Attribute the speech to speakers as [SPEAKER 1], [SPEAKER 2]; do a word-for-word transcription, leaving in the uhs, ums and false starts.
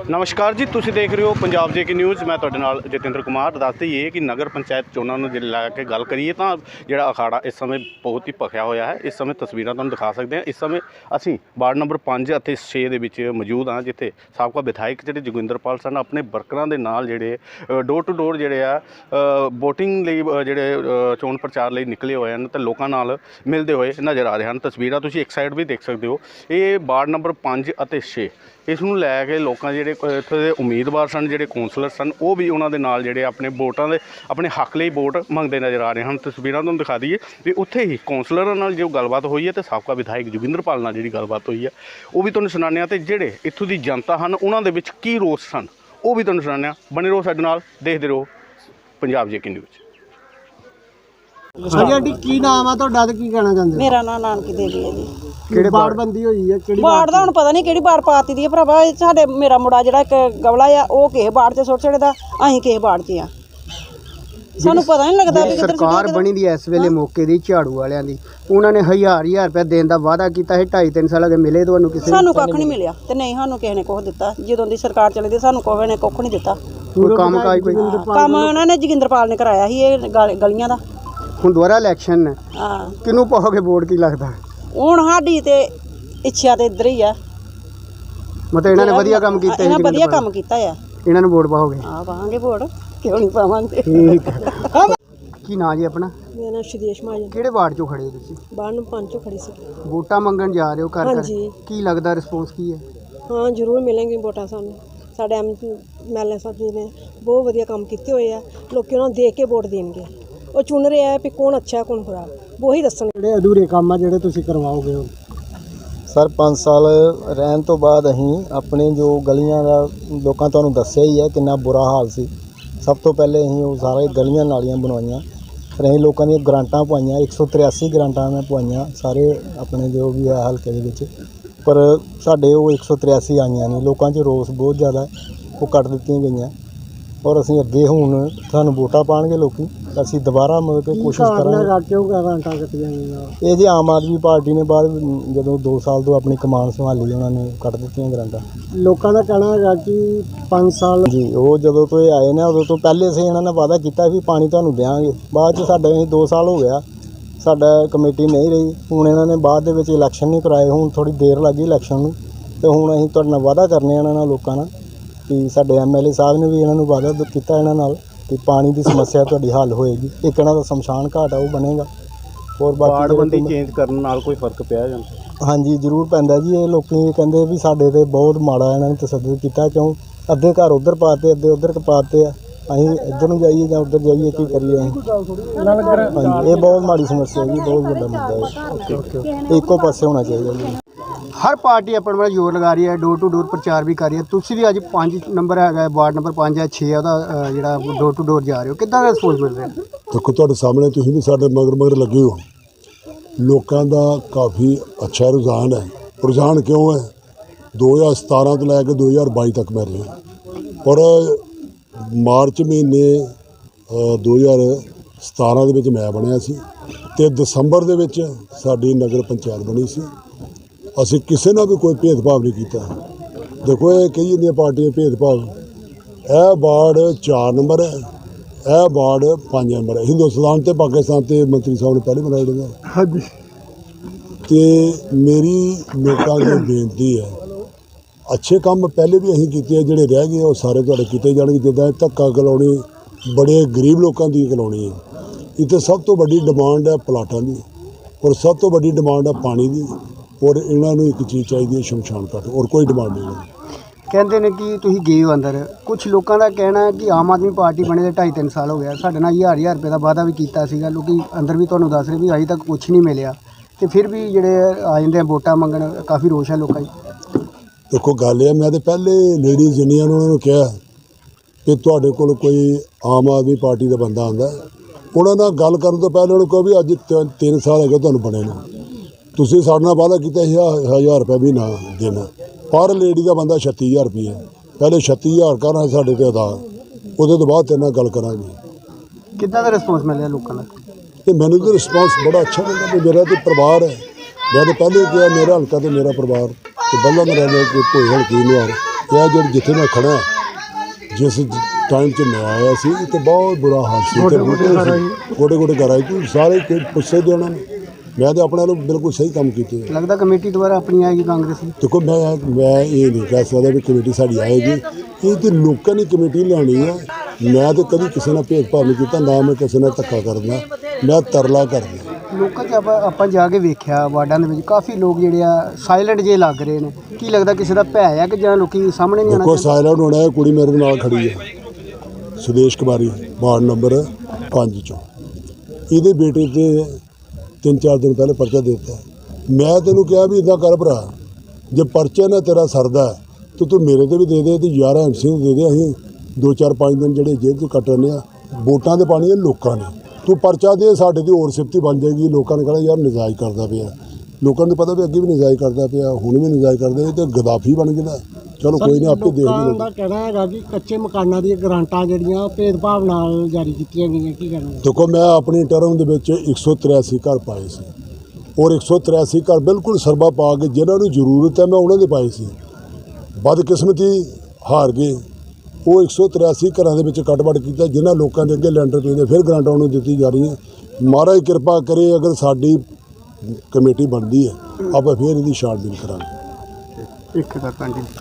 [SPEAKER 1] नमस्कार जी, तुसीं देख रहे हो पंजाब जे के न्यूज़। मैं तुहाडे नाल जतिंदर कुमार। दस दईए कि नगर पंचायत चोणां नूं लैके गल करिए तां जिहड़ा अखाड़ा इस समय बहुत ही भखिया होया है। इस समय तस्वीरां तुहानूं दिखा सकते हैं। इस समय असीं वार्ड नंबर पाँच अते छे दे विच मौजूद हाँ, जिथे साबका विधायक जिहड़े जोगिंदरपाल सन अपने वर्करां दे नाल जिहड़े डोर टू डोर जिहड़े आ वोटिंग लई जिहड़े चोण प्रचार लई निकले होए हन ते लोकां नाल मिलदे होए नज़र आ रहे हैं। तस्वीरां तुसीं एक साइड भी देख सकते हो। ये वार्ड नंबर पाँच अते छे इस नूं लैके लोकां जिहड़े इत्थे दे उम्मीदवार सन, जिहड़े कौंसलर सन, वो भी उन्हां दे नाल जिहड़े अपने वोटां दे अपने हक लई वोट मंगदे नज़र आ रहे हैं। तस्वीरां तुहानूं दिखा दईए भी उत्थे ही कौंसलरां नाल जो गलबात होई है ते साबका विधायक जोगिंदरपाल नाल जिहड़ी गलबात होई है वो भी तुहानूं सुणाने आ ते जिहड़े इत्थों दी जनता हन उन्हां दे विच की रोस सन वो भी तुहानूं सुणाने आ। बने रहो साडे नाल, देखदे रहो पंजाब जे के न्यूज़।
[SPEAKER 2] हाँ जी आंटी, की नाम है तुहाडा ते की कहना चाहुंदे?
[SPEAKER 3] मेरा नाम नानकी देवी है जी।
[SPEAKER 2] किहड़ी बाड़बंदी होई है? किहड़ी
[SPEAKER 3] बाड़ दा हुण पता नहीं किहड़ी बाड़ पाती दी है भरावा। साडे मेरा मुंडा जिहड़ा इक गवला आ ओह किस बाड़ च सुੱਟ छड़दा, असीं किस बाड़ च आ, सानूं पता नहीं लगदा भी किधर
[SPEAKER 2] सरकार बनी दी इस वेले मौके दी झाड़ू वालियां दी, उन्होंने हज़ार हज़ार रुपया देने का वादा किया है। ढाई तीन साल अगे मिले तुहानूं किसी
[SPEAKER 3] सानूं कक्ख नहीं मिलिया ते नहीं सानूं किसी ने कुछ दित्ता। जदों दी सरकार चली दी सानूं कोई ने कुछ नहीं दित्ता।
[SPEAKER 2] कोई काम काज कोई
[SPEAKER 3] काम उन्होंने ने जोगिंदरपाल ने कराया ही ये गलियां दा।
[SPEAKER 2] हुण दुबारा इलैक्शन है,
[SPEAKER 3] हाँ
[SPEAKER 2] किनूं पाओगे वोट की लगदा?
[SPEAKER 3] हुण साडी ते इच्छा ते इधर ही आ।
[SPEAKER 2] मतलब इन्होंने वधिया काम कीता है,
[SPEAKER 3] इन्हां वधिया काम कीता है।
[SPEAKER 2] इन्होंने वोट पाओगे?
[SPEAKER 3] हाँ पावांगे वोट, क्यों नहीं पावांगे।
[SPEAKER 2] ठीक है। की नाम जी अपना?
[SPEAKER 3] मेरा नाम सुदेश महाजन।
[SPEAKER 2] किहड़े वार्ड चों खड़े हो तुसीं?
[SPEAKER 3] वार्ड नंबर पाँच चों खड़ी सी।
[SPEAKER 2] वोटां मंगण जा रहे हो घर
[SPEAKER 3] हाँ
[SPEAKER 2] घर,
[SPEAKER 3] जी।
[SPEAKER 2] की लगदा रिस्पॉन्स की है?
[SPEAKER 3] हाँ जरूर मिलेंगे वोटां सानूं। साडे एम एल ए साहब जी ने बहुत वधिया काम कीते होए आ, लोकी उन्हां नूं देख के वोट देणगे। ਉਹ ਚੁਣ ਰਿਹਾ ਹੈ ਵੀ ਕੌਣ ਅੱਛਾ ਕੌਣ ਖਰਾਬ, ਉਹੀ ਦੱਸਣ।
[SPEAKER 2] ਜਿਹੜੇ ਅਧੂਰੇ ਕੰਮ ਆ ਜਿਹੜੇ ਤੁਸੀਂ ਕਰਵਾਓਗੇ ਹੁਣ?
[SPEAKER 4] ਸਰ ਪੰਜ ਸਾਲ ਰਹਿਣ ਤੋਂ ਬਾਅਦ ਅਸੀਂ ਆਪਣੇ ਜੋ ਗਲੀਆਂ ਦਾ ਲੋਕਾਂ ਤੁਹਾਨੂੰ ਦੱਸਿਆ ਹੀ ਹੈ ਕਿੰਨਾ ਬੁਰਾ ਹਾਲ ਸੀ। ਸਭ ਤੋਂ ਪਹਿਲੇ ਅਸੀਂ ਉਹ ਸਾਰੇ ਗਲੀਆਂ ਨਾਲੀਆਂ ਬਣਵਾਈਆਂ, ਫਿਰ ਅਸੀਂ ਲੋਕਾਂ ਦੀਆਂ ਗਰਾਂਟਾਂ ਪਵਾਈਆਂ। ਇੱਕ ਸੌ ਤਰਿਆਸੀ ਗਰਾਂਟਾਂ ਮੈਂ ਪਵਾਈਆਂ ਸਾਰੇ ਆਪਣੇ ਜੋ ਵੀ ਹੈ ਹਲਕੇ ਦੇ ਵਿੱਚ, ਪਰ ਸਾਡੇ ਉਹ ਇੱਕ ਸੌ ਤਰਿਆਸੀ ਆਈਆਂ ਨਹੀਂ। ਲੋਕਾਂ 'ਚ ਰੋਸ ਬਹੁਤ ਜ਼ਿਆਦਾ, ਉਹ ਕੱਟ ਦਿੱਤੀਆਂ ਗਈਆਂ। ਔਰ ਅਸੀਂ ਅੱਗੇ ਹੁਣ ਸਾਨੂੰ ਵੋਟਾਂ ਪਾਉਣਗੇ ਲੋਕੀ, ਅਸੀਂ ਦੁਬਾਰਾ ਮਤਲਬ ਕਿ ਕੋਸ਼ਿਸ਼ ਕਰਾਂਗੇ। ਇਹ ਜੀ ਆਮ ਆਦਮੀ ਪਾਰਟੀ ਨੇ ਬਾਅਦ ਜਦੋਂ ਦੋ ਸਾਲ ਤੋਂ ਆਪਣੀ ਕਮਾਨ ਸੰਭਾਲੀ ਉਹਨਾਂ ਨੇ ਕੱਟ ਦਿੱਤੀਆਂ ਗਰਾਂਟਾਂ।
[SPEAKER 2] ਲੋਕਾਂ ਦਾ ਕਹਿਣਾ ਹੈਗਾ ਕਿ ਪੰਜ ਸਾਲ
[SPEAKER 4] ਜੀ ਉਹ ਜਦੋਂ ਤੋਂ ਇਹ ਆਏ ਨੇ ਉਦੋਂ ਤੋਂ ਪਹਿਲੇ ਅਸੀਂ ਇਹਨਾਂ ਨੇ ਵਾਅਦਾ ਕੀਤਾ ਵੀ ਪਾਣੀ ਤੁਹਾਨੂੰ ਦਿਆਂਗੇ। ਬਾਅਦ 'ਚ ਸਾਡੇ ਅਸੀਂ ਦੋ ਸਾਲ ਹੋ ਗਿਆ ਸਾਡਾ ਕਮੇਟੀ ਨਹੀਂ ਰਹੀ। ਹੁਣ ਇਹਨਾਂ ਨੇ ਬਾਅਦ ਦੇ ਵਿੱਚ ਇਲੈਕਸ਼ਨ ਨਹੀਂ ਕਰਾਏ, ਹੁਣ ਥੋੜ੍ਹੀ ਦੇਰ ਲੱਗੀ ਇਲੈਕਸ਼ਨ ਨੂੰ, ਅਤੇ ਹੁਣ ਅਸੀਂ ਤੁਹਾਡੇ ਨਾਲ ਵਾਅਦਾ ਕਰਨੇ ਇਹਨਾਂ ਨਾਲ ਲੋਕਾਂ ਨਾਲ ਕਿ ਸਾਡੇ ਐਮ ਐਲ ਏ ਸਾਹਿਬ ਨੇ ਵੀ ਇਹਨਾਂ ਨੂੰ ਵਾਅਦਾ ਕੀਤਾ ਇਹਨਾਂ ਨਾਲ ਕਿ ਪਾਣੀ ਦੀ ਸਮੱਸਿਆ ਤੁਹਾਡੀ ਹੱਲ ਹੋਏਗੀ। ਇੱਕ ਇਹਨਾਂ ਦਾ ਸ਼ਮਸ਼ਾਨ ਘਾਟ ਆ ਉਹ ਬਣੇਗਾ। ਹੋਰ
[SPEAKER 1] ਵਾਰਡਬੰਦੀ ਚੇਂਜ ਕਰਨ ਨਾਲ ਕੋਈ ਫਰਕ ਪਿਆ ਜਾਂਦਾ?
[SPEAKER 4] ਹਾਂਜੀ ਜ਼ਰੂਰ ਪੈਂਦਾ ਜੀ। ਇਹ ਲੋਕੀ ਕਹਿੰਦੇ ਵੀ ਸਾਡੇ ਤੇ ਬਹੁਤ ਮਾੜਾ ਇਹਨਾਂ ਨੇ ਤਸੱਦਦ ਕੀਤਾ, ਕਿਉਂ ਅੱਧੇ ਘਰ ਉੱਧਰ ਪਾਤੇ ਅੱਧੇ ਉੱਧਰ ਪਾਤੇ ਆ, ਅਸੀਂ ਇੱਧਰ ਨੂੰ ਜਾਈਏ ਜਾਂ ਉੱਧਰ ਜਾਈਏ, ਕੀ ਕਰੀਏ ਅਸੀਂ? ਹਾਂਜੀ ਇਹ ਬਹੁਤ ਮਾੜੀ ਸਮੱਸਿਆ ਜੀ, ਬਹੁਤ ਵੱਡਾ ਮੁੱਦਾ ਹੈ। ਇੱਕੋ ਪਾਸੇ ਹੋਣਾ ਚਾਹੀਦਾ ਜੀ।
[SPEAKER 2] हर पार्टी अपना अपना जोर लगा रही है, डोर टू डोर प्रचार भी कर रही है। तुसी भी अज पाँच नंबर है वार्ड नंबर पाँच है छे जो डोर टू डोर जा रहे हो, कितना रिस्पॉन्स मिल रहा है?
[SPEAKER 5] देखो तुहाडे सामने तुसीं भी साडे मगर मगर लगे हो, लोगों का काफ़ी अच्छा रुझान है। रुझान क्यों है? दो हज़ार सतारह तो लैके दो हज़ार बाई तक मैं रहा, और मार्च महीने दो हज़ार सतारह दे विच मैं बनिया सी ते दसंबर दे विच साडी नगर पंचायत बनी सी। ਅਸੀਂ ਕਿਸੇ ਨਾਲ ਵੀ ਕੋਈ ਭੇਦਭਾਵ ਨਹੀਂ ਕੀਤਾ। ਦੇਖੋ ਇਹ ਕਈ ਜਾਂਦੀਆਂ ਪਾਰਟੀਆਂ ਭੇਦਭਾਵ, ਇਹ ਵਾਰਡ ਚਾਰ ਨੰਬਰ ਹੈ, ਇਹ ਵਾਰਡ ਪੰਜ ਨੰਬਰ ਹੈ। ਹਿੰਦੁਸਤਾਨ ਤੇ ਪਾਕਿਸਤਾਨ ਤੇ ਮੰਤਰੀ ਸਾਹਿਬ ਨੇ ਪਹਿਲੇ ਬਣਾਏ ਨੇ। ਹਾਂਜੀ, ਤੇ ਮੇਰੀ ਲੋਕਾਂ ਨੂੰ ਬੇਨਤੀ ਹੈ, ਅੱਛੇ ਕੰਮ ਪਹਿਲੇ ਵੀ ਅਸੀਂ ਕੀਤੇ ਆ, ਜਿਹੜੇ ਰਹਿ ਗਏ ਉਹ ਸਾਰੇ ਤੁਹਾਡੇ ਕੀਤੇ ਜਾਣਗੇ। ਜਿੱਦਾਂ ਧੱਕਾ ਕਲੋਨੀ ਬੜੇ ਗਰੀਬ ਲੋਕਾਂ ਦੀ ਕਲੋਨੀ ਹੈ, ਇੱਥੇ ਸਭ ਤੋਂ ਵੱਡੀ ਡਿਮਾਂਡ ਹੈ ਪਲਾਟਾਂ ਦੀ, ਔਰ ਸਭ ਤੋਂ ਵੱਡੀ ਡਿਮਾਂਡ ਹੈ ਪਾਣੀ ਦੀ, और इन्होंने एक चीज़ चाहिए शमशान घाट, और कोई डिमांड नहीं।
[SPEAKER 2] कहते हैं कि तुम गए हो अंदर, कुछ लोगों का कहना है कि आम आदमी पार्टी बने ढाई तीन साल हो गया, साढ़े नाल हज़ार हज़ार रुपये का वादा भी किया, लोग अंदर भी तुहानूं दस रहे भी अजे तक कुछ नहीं मिले, तो फिर भी जोड़े आ जाते वोटां मंगण, काफ़ी रोष है लोगों की।
[SPEAKER 5] देखो गल है, मैं तो पहले लेडीज़ जिन्नियां उन्होंने कहा कि तुहाडे कोल कोई आम आदमी पार्टी का बंदा आंदा, उन्होंने गल करन तो पहले उन्होंने कहा भी अज तीन साल हो गए तुहानूं बने ने, तुसीं साडे नाल वादा कीता हज़ार रुपये भी ना देना, पर लेडी का बंदा छत्ती हज़ार रुपये, पहले छत्ती हज़ार करना साढ़े ते अदा, उहदे तो बाद तेरे नाल गल करांगे।
[SPEAKER 2] कितना दा रिस्पॉन्स मिल रहा लोगों का?
[SPEAKER 5] तो मैनूं तो रिस्पॉन्स बड़ा अच्छा मिलता कि मेरा तो परिवार है। मैं तो पहले कहा मेरा हल्का तो मेरा परिवार, तो बल्ला मेरा कोई हल्की नहीं आ ਇਹ ਜਿਹੜੇ ਜਿੱਥੇ ਮੈਂ ਖੜਾ ਜਿਸ ਟਾਈਮ 'ਚ ਮੈਂ ਆਇਆ ਸੀ ਤੇ ਬਹੁਤ ਬੁਰਾ ਹਾਲ ਸੀ ਤੇ ਗੋਡੇ ਗੋਡੇ ਘਰ ਆਏ ਤੂੰ ਸਾਰੇ ਕਿ ਪੁੱਛੇ ਦੇ ਉਹਨਾਂ ਨੇ ਮੈਂ ਤਾਂ ਆਪਣੇ ਵੱਲੋਂ ਬਿਲਕੁਲ ਸਹੀ ਕੰਮ ਕੀਤੇ
[SPEAKER 2] ਲੱਗਦਾ ਕਮੇਟੀ ਦੁਬਾਰਾ ਆਪਣੀ ਆਏਗੀ ਕਾਂਗਰਸ ਦੀ।
[SPEAKER 5] ਦੇਖੋ ਮੈਂ ਮੈਂ ਇਹ ਨਹੀਂ ਕਹਿ ਸਕਦਾ ਵੀ ਕਮੇਟੀ ਸਾਡੀ ਆਏਗੀ, ਇਹ ਤਾਂ ਲੋਕਾਂ ਨੇ ਕਮੇਟੀ ਲੈਣੀ ਹੈ। ਮੈਂ ਤਾਂ ਕਦੀ ਕਿਸੇ ਨਾਲ ਭੇਦਭਾਵ ਨਹੀਂ ਕੀਤਾ, ਨਾ ਮੈਂ ਕਿਸੇ ਨਾਲ ਧੱਕਾ ਕਰਦਾ, ਮੈਂ ਤਰਲਾ ਕਰਦਾ।
[SPEAKER 2] ਲੋਕਾਂ 'ਚ ਆਪਾਂ ਆਪਾਂ ਜਾ ਕੇ ਵੇਖਿਆ ਵਾਰਡਾਂ ਦੇ ਵਿੱਚ ਕਾਫੀ ਲੋਕ ਜਿਹੜੇ ਆ ਸਾਇਲੈਂਟ ਜੇ ਲੱਗ ਰਹੇ ਨੇ। ਕੀ ਲੱਗਦਾ ਕਿਸੇ ਦਾ ਭੈ ਆ ਕਿ ਜਾਂ ਲੋਕੀ ਸਾਹਮਣੇ ਨਹੀਂ ਆਉਣਾ
[SPEAKER 5] ਦੇਖੋ
[SPEAKER 2] ਚਾਹੁੰਦੇ?
[SPEAKER 5] ਸਾਇਲੈਂਟ ਹੋਣਾ, ਕੁੜੀ ਮੇਰੇ ਨਾਲ ਖੜੀ ਹੈ ਸੁਦੇਸ਼ ਕੁਮਾਰੀ ਵਾਰਡ ਨੰਬਰ ਪੰਜ 'ਚੋਂ, ਇਹਦੇ ਬੇਟੇ ਤੇ ਤਿੰਨ ਚਾਰ ਦਿਨ ਪਹਿਲੇ ਪਰਚਾ ਦੇ ਦਿੱਤਾ। ਮੈਂ ਤੈਨੂੰ ਕਿਹਾ ਵੀ ਇੱਦਾਂ ਕਰ ਭਰਾ, ਜੇ ਪਰਚਾ ਨਾ ਤੇਰਾ ਸਰਦਾ ਤਾਂ ਤੂੰ ਮੇਰੇ ਤੇ ਵੀ ਦੇ ਦੇ ਤੇ ਯਾਰ ਐਮ ਸੀ ਨੂੰ ਦੇ ਦੇ, ਅਸੀਂ ਦੋ ਚਾਰ ਪੰਜ ਦਿਨ ਜਿਹੜੇ ਜੇਲ੍ਹ 'ਚ ਕੱਟ ਰਹੇ ਆ। ਵੋਟਾਂ ਤੇ ਪਾਣੀ ਲੋਕਾਂ ਨੇ, ਤੂੰ ਪਰਚਾ ਦੇ, ਸਾਡੇ ਦੀ ਹੋਰ ਸਿਫਤੀ ਬਣ ਜਾਏਗੀ। ਲੋਕਾਂ ਨੇ ਕਹਿਣਾ ਯਾਰ ਨਜਾਇਜ਼ ਕਰਦਾ ਪਿਆ, ਲੋਕਾਂ ਨੂੰ ਪਤਾ ਵੀ ਅੱਗੇ ਵੀ ਨਜਾਇਜ਼ ਕਰਦਾ ਪਿਆ, ਹੁਣ ਵੀ ਨਜਾਇਜ਼ ਕਰਦਾ, ਇਹ ਤਾਂ ਗਦਾਫੀ ਬਣ ਗਿਆ। ਚਲੋ ਕੋਈ ਨਹੀਂ, ਆਪੇ ਦੇਖ
[SPEAKER 6] ਲੋਕਾਂ
[SPEAKER 5] ਲਓ।
[SPEAKER 6] ਦਾ ਕਹਿਣਾ ਹੈਗਾ ਕਿ ਕੱਚੇ ਮਕਾਨਾਂ ਦੀਆਂ ਗਰਾਂਟਾਂ ਜਿਹੜੀਆਂ ਭੇਦਭਾਵ ਨਾਲ ਜਾਰੀ ਕੀਤੀਆਂ ਗਈਆਂ, ਕੀ ਕਹਿਣਾ?
[SPEAKER 5] ਦੇਖੋ ਮੈਂ ਆਪਣੀ ਟਰਮ ਦੇ ਵਿੱਚ ਇੱਕ ਸੌ ਤਰਿਆਸੀ ਘਰ ਪਾਏ ਸੀ, ਔਰ ਇੱਕ ਸੌ ਤਰਿਆਸੀ ਘਰ ਬਿਲਕੁਲ ਸਰਬਾ ਪਾ ਕੇ ਜਿਨ੍ਹਾਂ ਨੂੰ ਜ਼ਰੂਰਤ ਹੈ ਮੈਂ ਉਹਨਾਂ ਦੇ ਪਾਏ ਸੀ। ਬਦਕਿਸਮਤੀ ਹਾਰ ਗਏ, ਉਹ ਇੱਕ ਸੌ ਤਰਿਆਸੀ ਘਰਾਂ ਦੇ ਵਿੱਚ ਕੱਟ-ਵੱਟ ਕੀਤਾ, ਜਿਨ੍ਹਾਂ ਲੋਕਾਂ ਦੇ ਅੱਗੇ ਲੈਂਟਰ ਪੈਂਦੇ ਫਿਰ ਗਰਾਂਟਾਂ ਉਹਨੂੰ ਦਿੱਤੀ ਜਾ ਰਹੀ ਹੈ। ਮਹਾਰਾਜ ਕਿਰਪਾ ਕਰੇ, ਅਗਰ ਸਾਡੀ ਕਮੇਟੀ ਬਣਦੀ ਹੈ ਆਪਾਂ ਫਿਰ ਇਹਦੀ ਛਾਣਬੀਣ ਕਰਾਂਗੇ।
[SPEAKER 2] ਇੱਕ ਦਾ ਕੰਟੀਨਿਊ